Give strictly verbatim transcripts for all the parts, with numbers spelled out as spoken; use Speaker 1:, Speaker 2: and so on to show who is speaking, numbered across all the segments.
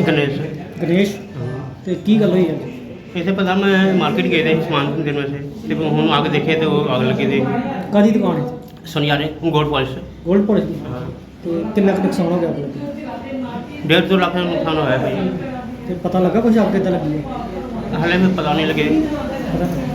Speaker 1: गणेश
Speaker 2: गणेश ਤੇ ਕੀ ਗੱਲ ਹੋਈ ਹੈ?
Speaker 1: इसे पता मैं मार्केट गए थे सामान देने में से तो हम आगे देखे तो आग लगी थी
Speaker 2: ਕਾਦੀ ਦੁਕਾਨ ਹੈ?
Speaker 1: सुनियारे गोल्ड पॉलिश
Speaker 2: ਗੋਲਡ ਪੋਲਿਸ਼ ਦੀ। ਤੇ ਕਿੰਨਾ ਕੁ ਨੁਕਸਾਨ ਹੋ ਗਿਆ ਅੱਗ ਲੱਗੀ?
Speaker 1: डेढ़ दो लाख का नुकसान होया भाई।
Speaker 2: ਤੇ ਪਤਾ ਲੱਗਾ ਕੁਝ ਅੱਗ ਕਿੱਦਾਂ ਲੱਗੀ ਹੈ?
Speaker 1: हाले में पता नहीं लगे।
Speaker 2: ਪਤਾ ਨਹੀਂ।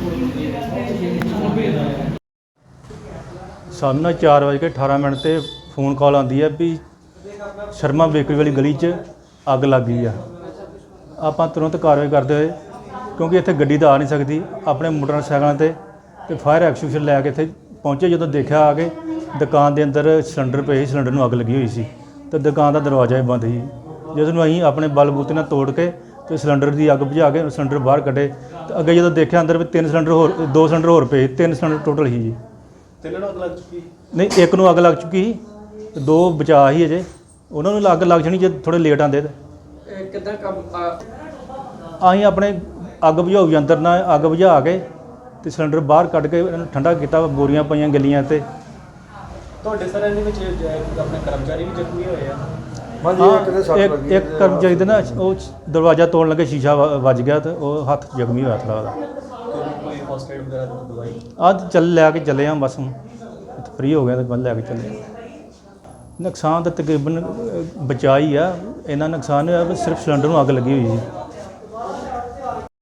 Speaker 3: ਸਾਨੂੰ ਨਾ ਚਾਰ ਵਜੇ ਕੇ ਅਠਾਰਾਂ ਮਿੰਟ ਤੇ ਫੋਨ ਕਾਲ ਆਉਂਦੀ ਹੈ ਵੀ ਸ਼ਰਮਾ ਬੇਕਰੀ ਵਾਲੀ ਗਲੀ 'ਚ ਅੱਗ ਲੱਗ ਗਈ ਆ। ਆਪਾਂ ਤੁਰੰਤ ਕਾਰਵਾਈ ਕਰਦੇ ਹੋਏ ਕਿਉਂਕਿ ਇੱਥੇ ਗੱਡੀ ਤਾਂ ਆ ਨਹੀਂ ਸਕਦੀ, ਆਪਣੇ ਮੋਟਰਸਾਈਕਲਾਂ ਤੇ ਤੇ ਫਾਇਰ ਐਕਸਟਿੰਗੁਇਸ਼ਰ ਲੈ ਕੇ ਇੱਥੇ ਪਹੁੰਚੇ। ਜਦੋਂ ਦੇਖਿਆ ਆ ਕੇ ਦੁਕਾਨ ਦੇ ਅੰਦਰ ਸਿਲੰਡਰ ਪਏ ਸੀ, ਸਿਲੰਡਰ ਨੂੰ ਅੱਗ ਲੱਗੀ ਹੋਈ ਸੀ ਤੇ ਦੁਕਾਨ ਦਾ ਦਰਵਾਜ਼ਾ ਹੀ ਬੰਦ ਸੀ। ਜਿਸ ਨੂੰ ਅਸੀਂ ਆਪਣੇ ਬਲਬੂਤੇ ਨਾਲ ਤੋੜ ਕੇ ਤੇ ਸਿਲੰਡਰ ਦੀ ਅੱਗ ਬੁਝਾ ਕੇ ਸਿਲੰਡਰ ਬਾਹਰ ਕੱਢੇ ਤੇ ਅੱਗੇ ਜਦੋਂ ਦੇਖਿਆ ਅੰਦਰ ਵੀ ਤਿੰਨ ਸਿਲੰਡਰ ਹੋਰ ਦੋ ਸਿਲੰਡਰ ਹੋਰ ਪਏ, ਤਿੰਨ ਸਿਲੰਡਰ ਟੋਟਲ ਸੀ ਜੀ।
Speaker 4: ਤਿੰਨਾਂ ਨੂੰ ਅੱਗ ਲੱਗ ਚੁੱਕੀ?
Speaker 3: ਨਹੀਂ, ਇੱਕ ਨੂੰ ਅੱਗ ਲੱਗ ਚੁੱਕੀ ਸੀ ਤੇ ਦੋ ਬਚਾ ਸੀ ਅਜੇ, ਉਹਨਾਂ ਨੂੰ ਅੱਗ ਲੱਗ ਜਾਣੀ ਜੇ ਥੋੜ੍ਹੇ ਲੇਟ ਆਉਂਦੇ ਤੇ।
Speaker 4: ਕਿੱਦਾਂ ਕੰਮ
Speaker 3: ਅਸੀਂ ਆਪਣੇ ਅੱਗ ਬੁਝਾਊ ਯੰਤਰ ਨਾਲ ਅੱਗ ਬੁਝਾ ਕੇ ਤੇ ਸਿਲੰਡਰ ਬਾਹਰ ਕੱਢ ਕੇ ਇਹਨਾਂ ਨੂੰ ਠੰਡਾ ਕੀਤਾ। ਬੋਰੀਆਂ ਪਈਆਂ ਗਲੀਆਂ ਤੇ।
Speaker 4: ਤੁਹਾਡੇ ਸਰ ਇਹਦੇ ਵਿੱਚ ਆਪਣੇ ਕਰਮਚਾਰੀ ਵੀ ਜ਼ਖਮੀ ਹੋਏ ਆ?
Speaker 3: ਹਾਂ, ਇੱਕ ਇੱਕ ਕਰਮਚਾਰੀ ਦੇ ਨਾ ਉਹ ਦਰਵਾਜ਼ਾ ਤੋੜਨ ਲੱਗੇ ਸ਼ੀਸ਼ਾ ਵ- ਵੱਜ ਗਿਆ ਤੇ ਉਹ ਹੱਥ ਜ਼ਖਮੀ ਹੋਇਆ ਥੋੜ੍ਹਾ ਉਹਦਾ।
Speaker 4: ਕੋਈ ਫਸਟ ਏਡ ਵਗੈਰਾ ਦੀ ਦਵਾਈ?
Speaker 3: ਅੱਜ ਚੱਲ ਲੈ ਕੇ ਚੱਲੇ ਆ ਬਸ, ਹੁਣ ਫ੍ਰੀ ਹੋ ਗਿਆ ਤੇ ਬੰਦ ਲੈ ਕੇ ਚੱਲੇ। ਨੁਕਸਾਨ ਤਾਂ ਤਕਰੀਬਨ ਅ, ਬਚਾ ਹੀ ਆ। ਇੰਨਾ ਨੁਕਸਾਨ ਹੋਇਆ ਵੀ ਸਿਰਫ ਸਿਲੰਡਰ ਨੂੰ ਅੱਗ ਲੱਗੀ ਹੋਈ ਸੀ।